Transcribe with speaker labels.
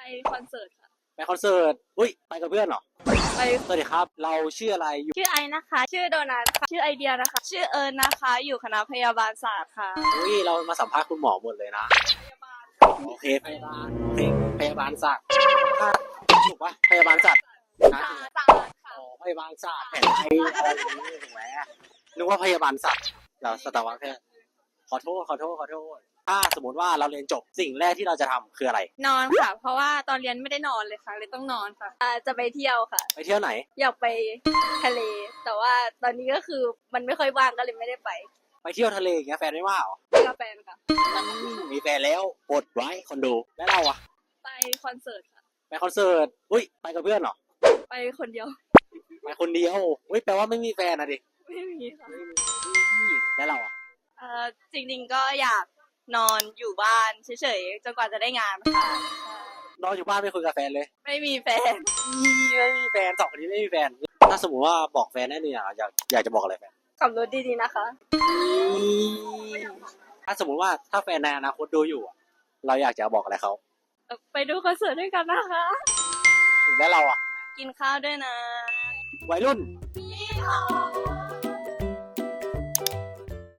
Speaker 1: คอนเสิร์ตค่ะ
Speaker 2: ไปคอนเสิร์ตอุ้ยไปกับเพื่อนเหรอ
Speaker 1: ไป
Speaker 2: สวัสดีครับเราชื่ออะไรอยู่
Speaker 1: ชื่อไอนะคะชื่อโดนัทค่ะชื่อไอเดียนะคะชื่อเอิญนะคะอยู่คณะพยาบาลศาสตร์ค่ะ
Speaker 2: อุ้ยเรามาสัมภาษณ์คุณหมอหมดเลยนะ
Speaker 1: พยาบาล
Speaker 2: โอเคพยาบาลโอเคพยาบาลศาสตร์ถูกปะพยาบาลศาสตร์นะ
Speaker 1: ศาสตร์ค่ะ
Speaker 2: อ๋อพยาบาลศาสตร์แผนไทยอะไรอย่างนี้ถูกไหมนึกว่าพยาบาลศาสตร์เราสัตวแพทย์ขอโทษถ้าสมมติว่าเราเรียนจบสิ่งแรกที่เราจะทำคืออะไร
Speaker 1: นอนค่ะเพราะว่าตอนเรียนไม่ได้นอนเลยค่ะเลยต้องนอนค่ะจะไปเที่ยวค่ะ
Speaker 2: ไปเที่ยวไหน
Speaker 1: อยากไปทะเลแต่ว่าตอนนี้ก็คือมันไม่ค่อยว่างก็เลยไม่ได้ไป
Speaker 2: เที่ยวทะเลอย่างเงี้ยแฟนไม่ว่าเหรอ
Speaker 1: กับแฟนค่ะ
Speaker 2: มีแฟนแล้วอดไว้คนดูแล้วเราอะ
Speaker 1: ไปคอนเสิร์ตค่ะ
Speaker 2: ไปคอนเสิร์ตอุ้ยไปกับเพื่อนเหรอ
Speaker 1: ไปคนเดียว
Speaker 2: ไปคนเดียวอุ้ยแปลว่าไม่มีแฟนนะดิ
Speaker 1: ไม่มีค่ะ
Speaker 2: แล้วเราอะ
Speaker 1: จริงๆก็อยากนอนอยู่บ้านเฉยๆจนกว่าจะได้งานค่ะ
Speaker 2: นอนอยู่บ้านไม่คุยกับแฟนเลย
Speaker 1: ไม่มีแฟน
Speaker 2: ไม่มีแฟนสองคนนี้ไม่มีแฟนถ้าสมมติว่าบอกแฟนได้เนี่ยอยากจะบอกอะไรแฟน
Speaker 1: ขับรถดีๆนะคะ
Speaker 2: ถ้าสมมติว่าถ้าแฟนในอนาคตดูอยู่อะเราอยากจะบอกอะไรเขา
Speaker 1: ไปดูคอนเสิร์ตด้วยกันนะคะ
Speaker 2: แล้วเราอะ
Speaker 1: กินข้าวด้วยนะ
Speaker 2: วัยรุ่น
Speaker 1: พี่เขา